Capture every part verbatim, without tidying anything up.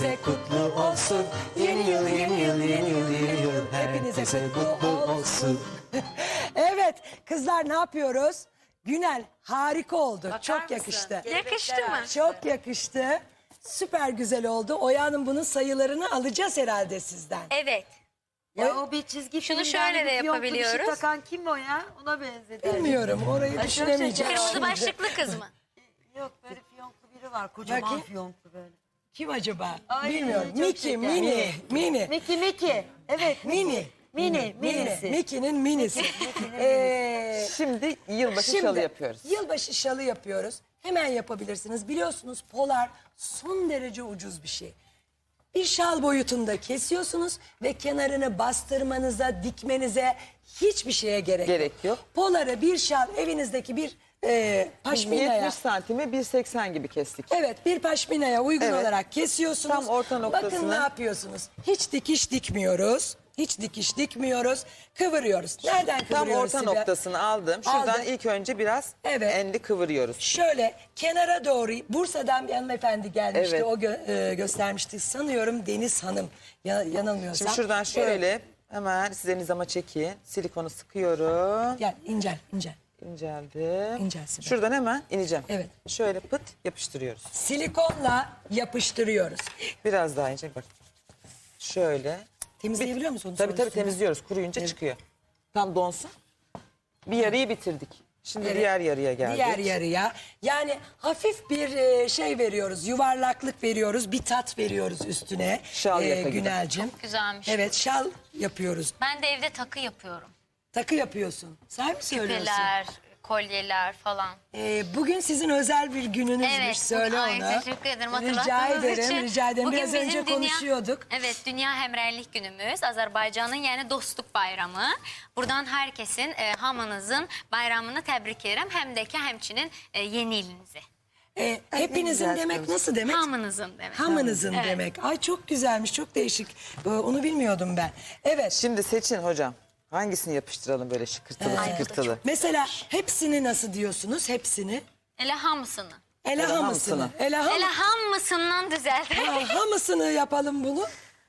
herkese kutlu olsun. Yeni yıl, yeni yıl, yeni yıl, yeni yıl herkese kutlu olsun. Evet kızlar, ne yapıyoruz? Günel harika oldu. Bakar Çok mısın? yakıştı. Yakıştı mı? Çok yakıştı. Süper güzel oldu. Oya Hanım bunun sayılarını alacağız herhalde sizden. Evet. Ya o bir çizgi Şunu filmden şöyle de bir fiyonklu bir şey yapabiliyoruz. takan kim o ya? Ona benzedi. Bilmiyorum, orayı Ay, çok düşünemeyeceğim. şeker. Kırmızı şimdi. başlıklı kız mı? Yok, böyle fiyonklu biri var. Kocaman Bakayım. fiyonklu böyle. Kim acaba? Ay, Bilmiyorum. çok Mickey, şeker. mini, mini. Miki Miki. Evet. Mini. Mini, Mini. minisi. Mickey'nin minisi. Ee, Şimdi yılbaşı Şimdi şalı yapıyoruz. Yılbaşı şalı yapıyoruz. Hemen yapabilirsiniz. Biliyorsunuz polar son derece ucuz bir şey. Bir şal boyutunda kesiyorsunuz ve kenarını bastırmanıza, dikmenize hiçbir şeye gerek, Gerek yok. Poları bir şal, evinizdeki bir e, paşminaya, yetmiş santime bir seksen gibi kestik. evet, bir paşminaya uygun Evet. olarak kesiyorsunuz. Tam orta Bakın noktasını. ne yapıyorsunuz? Hiç dikiş dikmiyoruz. Hiç dikiş dikmiyoruz. Kıvırıyoruz. Nereden Tam kıvırıyoruz? orta Sibel? noktasını aldım. Şuradan Aldın. ilk önce biraz Evet. enli kıvırıyoruz. Şöyle kenara doğru, Bursa'dan bir hanımefendi gelmişti. Evet. O gö- e, göstermişti. Sanıyorum Deniz Hanım. Ya, yanılmıyorsam. Şimdi şuradan şöyle Evet. hemen size nizama çekeyim. Silikonu sıkıyorum. Gel incel incel. İnceldim. İncelsin. Şuradan hemen ineceğim. Evet. Şöyle pıt yapıştırıyoruz. Silikonla yapıştırıyoruz. Biraz daha ince bak. Şöyle. Temizleyebiliyor musun? Tabii tabii temizliyoruz. Kuruyunca çıkıyor. Tam donsun. Bir yarıyı bitirdik. Şimdi Evet. diğer yarıya geldik. Diğer yarıya. Yani hafif bir e, şey veriyoruz. Yuvarlaklık veriyoruz. Bir tat veriyoruz üstüne. Şal yaka gibi. Günelcim. Güzelmiş. Evet, şal yapıyoruz. Ben de evde takı yapıyorum. Takı yapıyorsun. Sen mi söylüyorsun? Küpeler, kolyeler falan. Ee, bugün sizin özel bir gününüzmüş. Evet. Söyle bugün- Ay, onu. teşekkür ederim Rica hatırlattığınız ederim, için. rica ederim. Bugün Biraz bizim önce dünya- konuşuyorduk. Evet, Dünya Hemreylik Günümüz. Azerbaycan'ın yani dostluk bayramı. Buradan herkesin, e, hamınızın bayramını tebrik ederim. Hem de ki hemçinin e, yeni ilinizi. Ee, hepinizin güzel demek söylüyorsun. nasıl demek? Hamınızın demek. Hamınızın Evet. demek. Ay çok güzelmiş, çok değişik. Ee, onu bilmiyordum ben. Evet. Şimdi seçin hocam. Hangisini yapıştıralım böyle şıkırtılı Ay, bu da şıkırtılı. Mesela hepsini nasıl diyorsunuz? Hepsini. Ele hamısını. Ele Ele hamısını. hamısını. Ele ham Ele hamısından düzeltelim. Ha, hamısını yapalım bunu.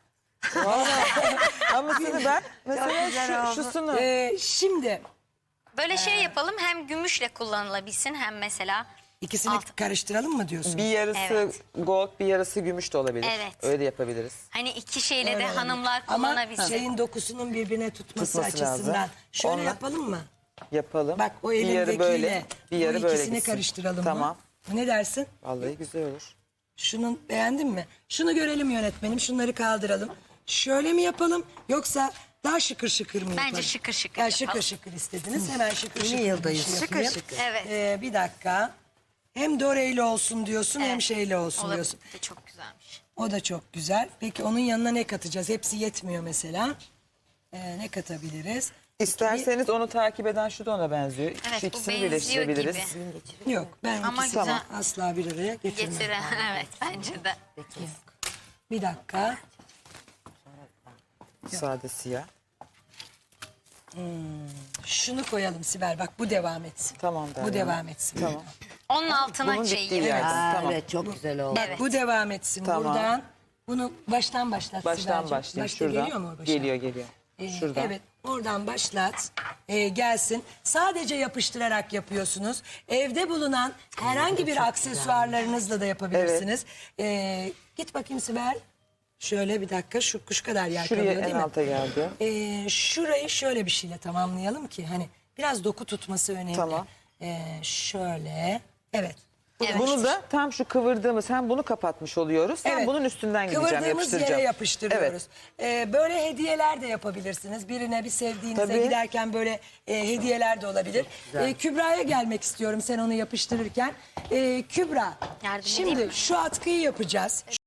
Hamısını ben mesela güzel şu, oldu. şusunu. Ee, şimdi Böyle şey yapalım, hem gümüşle kullanılabilsin hem mesela ikisini altın. karıştıralım mı diyorsun? Bir yarısı Evet. gold, bir yarısı gümüş de olabilir. Evet. Öyle yapabiliriz. Hani iki şeyle Öyle de olabilir. hanımlar Ama kullanabilsin. şeyin dokusunun birbirine tutması, Tutması açısından. lazım. Şöyle Onunla- yapalım mı? Yapalım. Bak o bir yarı elindekiyle böyle, bir yarı bu böyle ikisini gitsin. karıştıralım Tamam. mı? Ne dersin? Vallahi güzel olur. Şunun beğendin mi? Şunu görelim yönetmenim. Şunları kaldıralım. Şöyle mi yapalım yoksa daha şıkır şıkır mı Bence yapalım? şıkır şıkır Ya yapalım. şıkır şıkır istediniz. Hemen şıkır Yeni şıkır bir yıldayız. şey Şıkır yapayım. şıkır. Evet. Ee, bir dakika. Hem doreyli olsun diyorsun hem Evet. şeyli olsun Olabilir. diyorsun. De çok güzelmiş. O da çok güzel. Peki onun yanına ne katacağız? Hepsi yetmiyor mesela. Ee, ne katabiliriz? İsterseniz onu takip eden şu da ona benziyor. Evet, şu bu ikisini benziyor birleştirebiliriz. gibi. Yok, ben Ama ikisini güzel. asla bir araya getirmem. Getire. Evet, bence de. Bir dakika. Sade siyah. Şunu koyalım Sibel. Bak bu devam etsin. Tamam Bu Derya. devam etsin. Tamam. Onun altına Bunun şey. bittiği yerden. Aa, Tamam. evet çok güzel oldu. Bak Evet. bu devam etsin Tamam. buradan. Bunu baştan başlat Baştan Sibel'cim. başlayayım. Başta Şuradan. geliyor mu o başa? Geliyor geliyor. Ee, Şuradan. Evet, oradan başlat. Ee, gelsin. Sadece yapıştırarak yapıyorsunuz. Evde bulunan herhangi bir aksesuarlarınızla da yapabilirsiniz. Ee, git bakayım Sibel. Şöyle bir dakika, şu kuş kadar yer Şuraya kalıyor en değil mi? alta geldi. Ee, şurayı şöyle bir şeyle tamamlayalım ki hani biraz doku tutması önemli. Tamam. Ee, şöyle, evet. Evet. Bunu da tam şu kıvırdığımız hem bunu kapatmış oluyoruz. Hem Evet. bunun üstünden gideceğim, Kıvırdığımız yapıştıracağım. yere yapıştırıyoruz. Evet. Ee, böyle hediyeler de yapabilirsiniz. Birine bir sevdiğinize Tabii. giderken böyle e, hediyeler de olabilir. Ee, Kübra'ya gelmek istiyorum sen onu yapıştırırken. Ee, Kübra, Yardım şimdi edeyim mi? şu atkıyı yapacağız.